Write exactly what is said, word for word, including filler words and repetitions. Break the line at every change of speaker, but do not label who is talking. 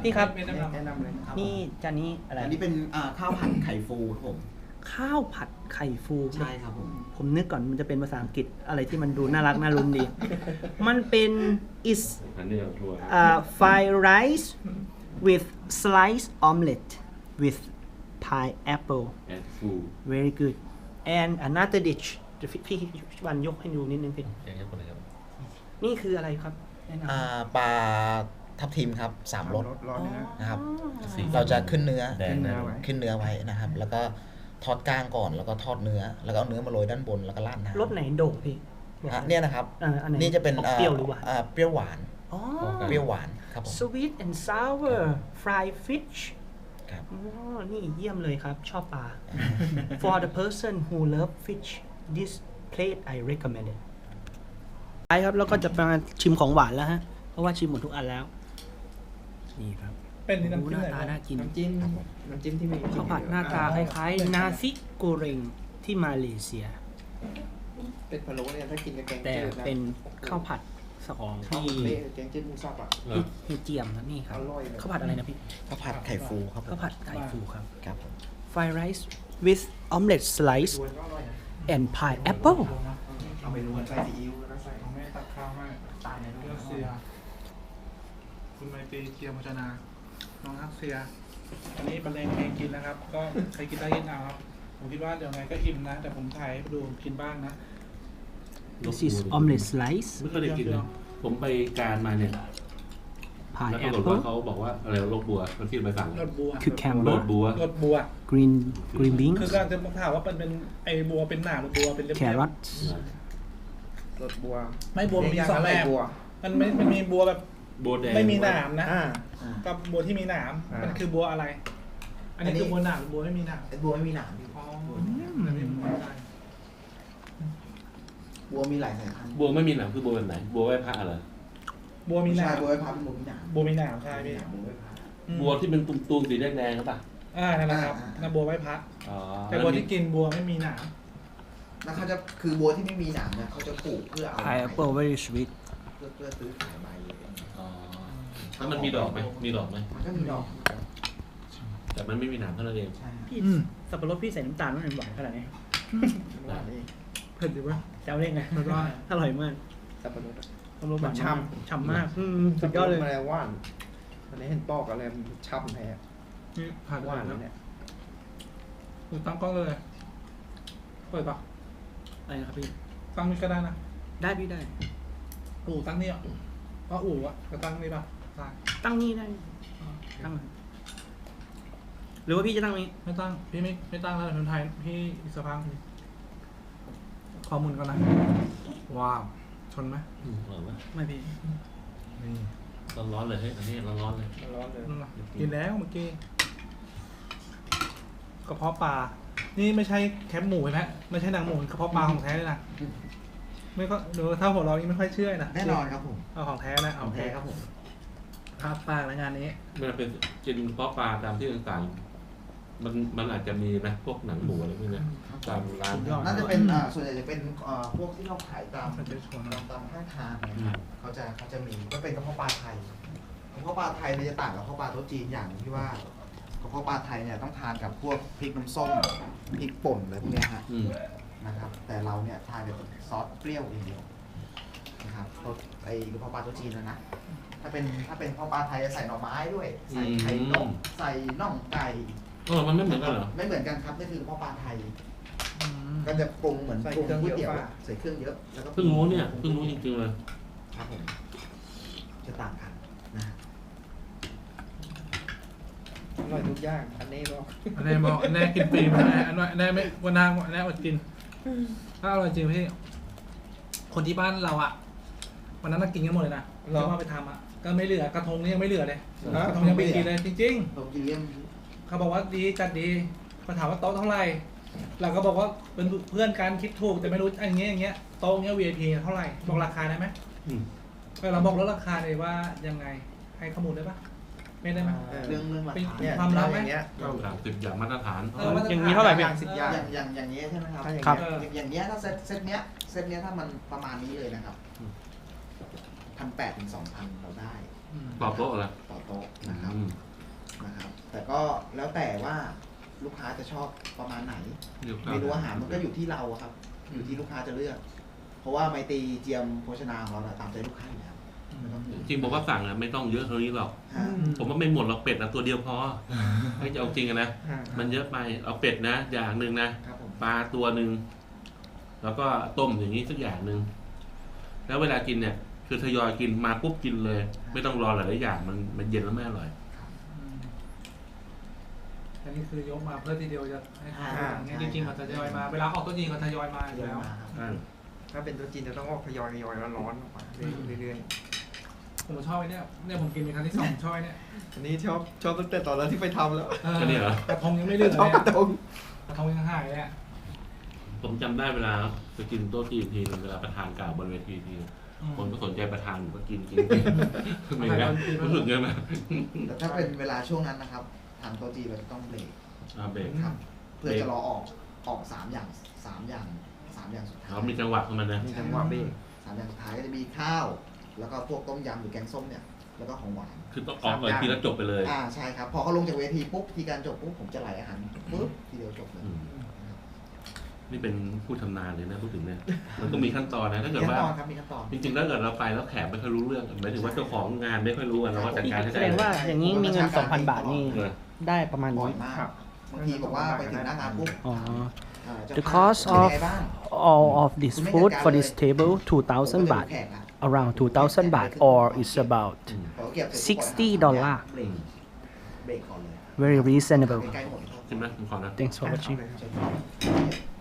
พี่ครับ
แนะนำแนะนำเลยครับ
นี่จานนี้อะไร
อันนี้เป็นอ่าข้าวผัดไข่ฟูครับผม
ข้าวผัดไข่ฟู
ใช่ครับผม
ผมนึกก่อนมันจะเป็นภาษาอังกฤษอะไรที่มันดูน่ารักน่ารุมดี มันเป็น is
อันนี้เอาถ้วย
uh, fried rice with sliced omelette with pineapple
แอนฟู
very good and another dish เดี๋ยวพี่พี่วันยกให้ดูนิดนึงพี่
อย่างนี้คนเลยครับ
นี่คืออะไรครับแนะนำ
อ่าปลาทับทิมครับสามรส
ร้อนเนื้อ
นะครับ
สี
เราจะขึ้นเนื้อ
แดงนะ
ขึ้นเนื้อไว้นะครับ แล้วก็ทอดกลางก่อนแล้วก็ทอดเนื้อ แล้วก็เอาเนื้อมาโรยด้านบนแล้วก็ราดน้ำ
รสไหนโด่งพี่
อ่ะเนี่ยนะครับ
อ่าอันไหน
นี่จะเป็น
ออกเปรี้ยวหรือหวาน
อ่าเปรี้ยวหวาน
อ๋อ
เปรี้ยวหวานครับผม
sweet and sour fried fish
ครับ
อ๋อนี่เยี่ยมเลยครับ ชอบปลา for the person who love fish this plate I recommend it ไปครับแล้วก็จะมาชิมของหวานแล้วฮะ เพราะว่าชิมหมดทุกอันแล้ว นี่ครับ
เป็นน้ำ
โอ้
จิ้ม
หน้า
อะไร
ตาน่ากิน
น้ำจิ้มน้ำจิ้มที่มี
ข้าวผัดหน้าตาคล้ายๆนาซิโกเรงที่มาเลเซีย
เป็ดพะโล้เนี่ยถ้ากินกับแกง
แต่
จืดนะ
เป็นข้าวผัดของ
ข้าว
ที่
เละแกงจืดหมูสับอ่ะ
พี่พี่เจียมครับนี่ครับ
อร่อยเลย
ข้าวผัดอะไรนะพี่
ข้าวผัดไข่ฟูครับผม
ข้าวผัดไก่ฟูครับ
ครับผม
fried rice with omelette slice
ดวนก็อร่อยนะ
and pineapple
เอาไปรวนใส่ซีอิ๊วแล้วก็ใส่แม่ตักข้าวให้ตายในเรื่องเสียคุณไมตรีเจียมพัชนา น้องฮักเซีย อันนี้บรรเลงเพลงกินนะครับ ก็ใครกินได้กินเอาครับ ผมคิดว่าเดี๋ยวไงก็อิ่มนะ แต่ผมถ่ายให้ดูกินบ้างนะ
this is omelette slice
ไม่เคยได้กินนะผมไปการมาเนี่ยแล้วปรากฏว่า
pineapple
เขาบอกว่าอะไรโรคบัวมันที่ไปสั่ง
รสบัว
cucumber
โรคบัว
รสบัว
green green
คือ
beans
การจะถามว่าเป็นเป็นไอบัวเป็นหนาหรือบัวเป็นเรียบๆ
carrots
รสบัว ไม่บัวมีสองแบบมันไม่มันมีบัวแบบ
บัวแดง
ไม่มีหนามนะ
อ่า
กับบัวที่มีหนาม
อ่ามั
มันคือบัวอะไร อันนี้
อันนี้
คือบัวหนามหรือบัวไม่มีหนาม
ไอ้บัวไม่มีหนามพี่
อ๋ออันนี้ผมไม่ได้
บัวมีหลายสายพันธุ์
บัวไม่มีหนังคือบัวแบบไหน บัวไหว้พระเหรอ
บัวมีหนา
ใช่
ม
บัวไว้พับเป็นบัวมีหนาม
บัวมีหนามใช่พี่
บัวไว้พับ
อืม
บัวที่เป็นตุ่มๆสีแดงๆครับป่ะ
อ่านั่นแหละครับ
อ่า
นั่นบัวไหว้พระ
อ๋อ
แต่บัวที่กินบัวไม่มีหนาม
แล้วเขาจะคือบัวที่ไม่มีหนามเนี่ยเขาจะปลูกเพื่อเอา
pineapple very sweet
เพื่อเพื่อซื้อขายใบ
อ๋อแล้วมันมีดอกไหมมีดอกไหม
มันก็มีดอก
แต่มันไม่มีหนามเท่านั้นเอง
ใช่
พี่สับปะรดพี่ใส่น้ำตาลมันหวานขนาดนี้
หวานเองเผ็ดดีวะ
จำได้ไง
อร่อย
อร่อยมาก
สับปะรดอะ
สับปะรดหวาน
มันฉ่
มากฉ่ำมากอืมสุดยอดเลย
สับปะรมาแล้วหวานอันนี้เห็นปอกอะไรมันช่ำแท้
นี่ผ่าน
ห
หวาว
าน น
แล้
แล้ว วเนี่ยดูตั้งกล้องเลยเปิดปะ
อะไรนะครับพี่
ตั้งนี่ก็ได้นะ
ได้พี่ได้
อู่ตั้งนี่อ่ะเพราะอู่อ่ะก็ตั้งนี่ปะได้
ตั้งนี่ได้ตั้งหรือว่าพี่จะตั้งนี้
ไม่ตั้งพี่ไม่ไม่ตั้งแล้วคนไทยพี่อีกสักพักข้อมูลก่อนนะว้าวชนไหม
อืมอร่อยไหม
ไม่พี่
นี่
ร้อนๆเลยเฮ้ยอันนี้ร้อนๆเลย
ร้อนเลยกินแล้วเมื่อกี้กระเพาะปลา นี่ไม่ใช่แคบหมูนะไม่ใช่หนังหมูกระเพาะปลาของแท้เลยนะไม่ก็ดูถ้าหัวเรานี่ไม่ค่อยเชื่อนะ
แน่นอนครับผม
เอาของแท้นะ
ข
เอา
องแท้ครับผม
ภาพปลาแล้วงานนี้
มันเป็นกินเพาะปลาตามที่ต่างๆ มันมันอาจจะมีนะพวกหนังหมูอะไรพวกเนี้ยตามร้าน
สุดยอด
น่าจะเป็นอ่าส่วนใหญ่จะเป็นอ่าพวกที่เราขายตาม
มันจะชวน
ตามตามข้างทางนะครับเขาจะเขาจะมีก็เป็นกระเพาะปลาไทยกระเพาะปลาไทยเนี่ยจะต่างกับกระเพาะปลาโต๊ะจีนอย่างที่ว่ากระเพาะปลาไทยเนี่ยต้องทานกับพวกพริกน้ำส้มพริกป่นอะไรพวกเนี้ยฮะ
อืม
นะครับ แต่เราเนี่ยทานแบบซอสเปรี้ยวอย่างเดียวนะครับรสไอ้กระเพาะปลาโต๊ะจีนนะนะถ้าเป็นถ้าเป็นกระเพาะปลาไทยจะใส่หน่อไม้ด้วย ใส่ไข่นกใส่น่องไก่
เออมันไม่เหมือนกันเหรอ
ไม่เหมือนกันครับนี่คือกระเพาะปลาไทย ก็จะปรุงเหมือนปรุงก๋วยเตี๋ยวใส่เครื่องเยอะแล้วก็
เพิ่งรู้เนี่ยเพิ่งรู้จริงๆเลย
ครับผมจะต่างกันนะ
อร่อยทุกอย่าง อันนี้บอกอันนี้บอกอันนี้กินฟรีมาอันนี้อันนี้ไม่วันนางอันนี้อดกิน ถ้าอร่อยจริงพี่ คนที่บ้านเราอ่ะวันนั้นน่ากินกันหมดเลยนะที่ว่าไปทำอ่ะ ก็ไม่เหลือกระทงนี่ยังไม่เหลือเลยกระทงยังไม่กินเลยจริง
ผมกินเลี่ยม
ๆ เขาบอกว่าดีจัดดีเขาถามว่าโต๊ะเท่าไหร่เราก็บอกว่าเป็นเพื่อนกันคิดถูกแต่ไม่รู้อันนี้อย่างเงี้ยโต๊ะเงี้ย วี ไอ พี เท่าไหร่บอกราคาได้ไหม
อืม
เราบอกลดราคาเลยว่ายังไงให้ข้อมูลได้ปะไม่ได้ไหม
เรื่องเรื่องราคา
เนี่
เนี่ย ย
ความลับไหม
สามสิบอย่างมาตรฐาน
เออมตรฐ
อย่างนี้เท่าไหร่พี่
สิบอย่าง
อย่างอย่างอย่างนี้ใช่ไหมครับ
ครับ
อย่างอย่างเนี้ยถ้าเซตเซตเนี้ยเซตเนี้ยถ้ามันประมาณนี้เลยนะครับพันแปดถึงสองพันเราได้
ต่อโต๊ะเหรอ
ต่อโต๊ะนะครับ
อืม
ก็แล้วแต่ว่าลูกค้าจะชอบประมาณไหน
เดี๋ยว
เมนูอาหารมันก็อยู่ที่เราอะครับ อยู่ที่ลูกค้าจะเลือก เพราะว่าไมตรีเจียมโภชนาของเราน่ะตามใจลูกค้าอยู่แล้วไม่ต้อง
จริงผมว่าสั่งอะไม่ต้องเยอะเท่านี้หรอก
ฮะ
ผมว่าไม่หมดหรอกเป็ดนะตัวเดียวพอให้จะเอาจริงอะนะ มันเยอะไปเอาเป็ดนะ อย่างหนึ่งนะครับ
ผม
ปลาตัวหนึ่งแล้วก็ต้มอย่างนี้สักอย่างหนึ่งแล้วเวลากินเนี่ย คือทยอยกินมาปุ๊บกินเลย ไม่ต้องรอหลายๆอย่างมันมันเย็นแล้วไม่อร่อย
อันนี้คือยกมาเพื่อทีเดียวจะให้ทาน
อ่า
อย่างเงี้ย
ใช่
จริงๆมันจะทยอยมา เวลาออกตัวจริงก็ทยอยมาอยู่
เยอะ
แล้ว
มาครับ
อ่า
ถ้าเป็นตัวจีนจะต้องออกทยอยทยอยแล้วร้อนออกมาเรื่อย
ผมชอบไอ้เนี่ยเนี่ยผมกินเป็นครั้งที่สองชอบไอ้เนี่ย
ๆอันนี้ชอบชอบตั้งแต่ตอนนั้นที่ไปทำแล้ว
ออ
ก็เนี่ยเหรอ
กระทงยังไม่เลือก
ช
เล
อบ
ย
ก
อะ
ระทง
กระทงยังหายเลยอะ
ผมจำได้เวลาไปกินโต๊ะจีนทีนึงเวลาประธานกล่าวบนเวทีทีนึงคนก็สนใจประธานผมก็กินกินกินไม่ไงรู้สึกไงไหม
แต่ถ้าเป็นเวลาช่วงนั้นนะครับทางโต๊ะจีนเราจะต้องเบรก
อ่าเบรก
ครับ เพื่อจะรอออกออกสามอย่างสามอย่างสามอย่างสุดท้าย
เขามีจังหวะของมันนะ
มีจังหวะเบรก
สามอย่างสุดท้ายก็จะมีข้าว แล้วก็พวกต้มยำหรือแกงส้มเนี่ย แล้วก็ของหวาน
คือต้องออกเลยทีแล้วจบไปเลย
อ่าใช่ครับ พอเขาลงจากเวทีปุ๊บทีการจบปุ๊บผมจะไหลอาหารปุ๊บทีเดียวจบเลย
อืมนี่เป็นผู้ชำนาญเลยนะพูดถึงเนี่ย มันต้องมีขั้นตอนนะถ้า
มี
เกิด
ขั้น
ว่า
ตอนครับมีขั้นตอน
จริงๆถ้าเกิดเราไปแล้วแขกไม่ค่อยรู้เรื่องหมายถึงว่าเจ้าของงานไม่ค่อยรู้อะเราก็จัดการให้
แส
ได้
ดงว่าอย่างนี้มีเงิน 2,000 บาทนี่
เออ
ได้ประมาณ
บ่อ
นี้
ยมาก
ครับ
บางทีบอกว่าไปถึงหน้างานปุ๊บ
อ๋อ
อ่าเจ้า
The
ภาพ
cost
เป็น
of
ไงบ้าง
all of this food for this table
ผมก็
two thousand
จะดู
baht
แขกละ
around two thousand baht or it's about
พอเก็บเสร็จ
sixty
ปุ๊บ
ดอลลาร์
เบรกเบรกก่อนเลย
very reasonable
ใกล้ๆหมด
ใช่ไหมผมขอนะ
thanks for watching
เชิญครับ